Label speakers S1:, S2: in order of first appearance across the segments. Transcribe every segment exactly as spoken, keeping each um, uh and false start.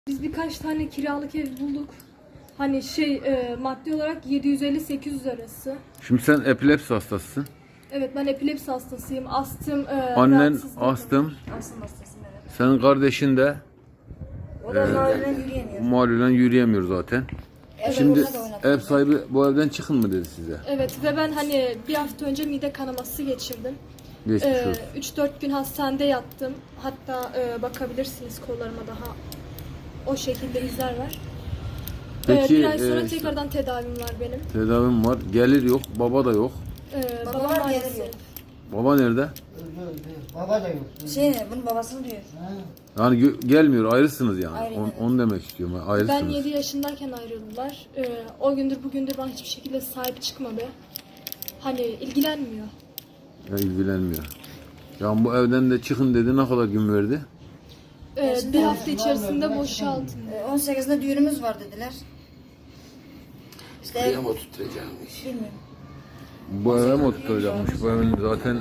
S1: Biz birkaç tane kiralık ev bulduk. Hani şey e, maddi olarak yedi yüz elli sekiz yüz arası.
S2: Şimdi sen epilepsi hastasısın.
S1: Evet, ben epilepsi hastasıyım. Astım, e,
S2: Annen
S1: rahatsızlığım var.
S2: astım.
S3: Astım hastasıyım, evet.
S2: Senin kardeşin de
S3: O da mahallen yürüyemiyor.
S2: malulen yürüyemiyor zaten.
S3: Evet,
S2: Şimdi
S3: ona da oynatıyor.
S2: ev sahibi bu evden çıkın mı dedi size?
S1: Evet ve ben hani bir hafta önce mide kanaması geçirdim.
S2: Geçmiş
S1: E,
S2: olsun.
S1: üç dört gün hastanede yattım. Hatta e, bakabilirsiniz kollarıma daha o şekilde izler var.
S2: Peki,
S1: e, bir ay sonra
S2: e,
S1: tekrardan tedavim var benim.
S2: Tedavim var. Gelir yok. Baba da yok.
S1: E,
S3: Baba
S1: babam
S3: var,
S1: maalesef.
S3: gelir yok.
S2: Baba nerede?
S4: Baba da yok.
S3: Şey ne, bunun babasını diyor.
S2: Yani gö- gelmiyor. Ayrısınız yani.
S3: Ayrı,
S2: On-
S3: evet.
S2: onu demek istiyorum.
S1: Ben
S2: Ayrısınız.
S1: yedi yaşındayken ayrıldılar. Ee, o gündür bugündür bana hiçbir şekilde sahip çıkmadı. Hani ilgilenmiyor.
S2: Ya, ilgilenmiyor. Yani bu evden de çıkın dedi. Ne kadar gün verdi?
S1: Ee, bir hafta içerisinde boşaltın.
S3: Ee, on sekizinde düğünümüz var dediler. İşte ev,
S5: Buraya mı oturtacakmış?
S3: bilmiyorum.
S2: Bu eve mi oturtacakmış? Bu evin zaten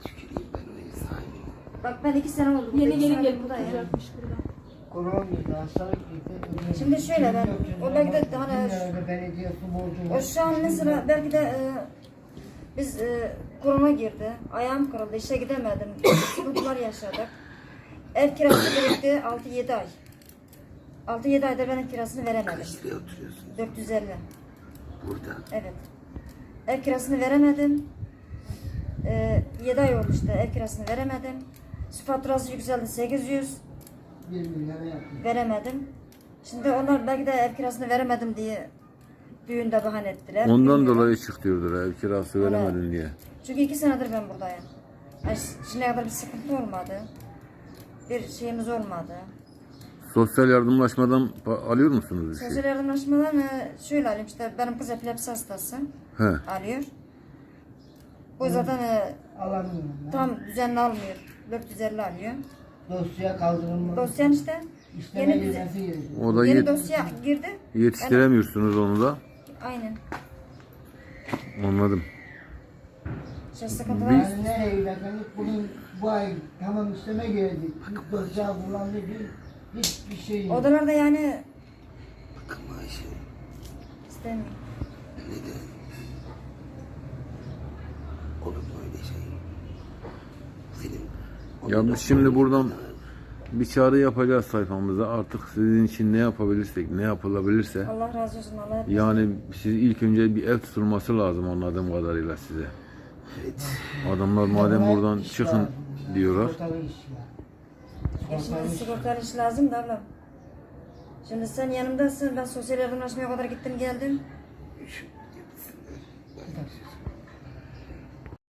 S3: Bak ben iki sene oldu.
S1: Yeni
S3: iki
S1: gelin
S3: senedir
S1: gelip
S3: buradayım.
S1: oturacakmış burada.
S4: Korona girdi, hastalık girdi.
S3: Şimdi şöyle ben, o belki de hani
S4: Günlerde belediye su borcu
S3: o
S4: var.
S3: şu an mesela belki de e, biz e, korona girdi. Ayağım kırıldı, işe gidemedim. Sıkıntılar yaşadık. Ev kirası birikti altı yedi ay. altı yedi ayda ben ev kirasını veremedim.
S5: Kaç liraya oturuyorsun
S3: dört yüz elli.
S5: burada?
S3: Evet. Ev kirasını veremedim. Ee, yedi ay oldu işte ev kirasını veremedim. Su faturası yükseldi sekiz yüz.
S4: Bir milyara yakın.
S3: Veremedim. Şimdi onlar belki de ev kirasını veremedim diye düğünde bahane ettiler.
S2: ondan
S3: Bilmiyorum.
S2: dolayı çık diyordur. Ev kirası veremedin diye.
S3: Çünkü iki senedir ben buradayım. Yani şimdiye kadar bir sıkıntı olmadı. Bir şeyimiz olmadı.
S2: Sosyal yardımlaşmadan pa- alıyor musunuz bir şey?
S3: Sosyal yardımlaşmadan e, şöyle alayım işte benim kız epilepsi hastası
S2: He.
S3: alıyor. Bu zaten e,
S4: Alamıyorum ben.
S3: tam düzenli almıyor. dört yüz elli alıyor.
S4: Dosya kaldırılmadı.
S3: Dosyan işte
S4: İşleme
S3: yeni, düzen-
S4: cezası gelecek.
S2: O da
S3: yeni
S2: yet-
S3: dosya girdi.
S2: yetiştiremiyorsunuz onu da.
S3: Aynen.
S2: Anladım.
S3: İşte sıkıntılar.
S4: Yani nereye giderken bunun bu ay tamam işleme geldi. İlk dosya kullandı bir hiçbir şey yok.
S3: Odalarda yani
S5: Bakın maaşı
S3: istemiyor.
S5: neden? Olur mu öyle şey? Senin
S2: Ya biz şimdi buradan bir çağrı yapacağız sayfamıza. Artık sizin için ne yapabilirsek, ne yapılabilirse.
S3: Allah razı olsun. Allah hep
S2: Yani siz ilk önce bir ev tutulması lazım anladığım kadarıyla size.
S5: evet.
S2: Adamlar madem
S4: Bunlar
S2: buradan
S4: iş
S2: çıkın
S4: lazım.
S2: diyorlar.
S4: Sigortalı iş var.
S3: Ya
S4: Sigortalı
S3: şimdi
S4: iş.
S3: sigortalı iş lazım da ablam. Şimdi sen yanımdasın. Ben sosyal yardımlaşmaya kadar gittim geldim.
S5: Şu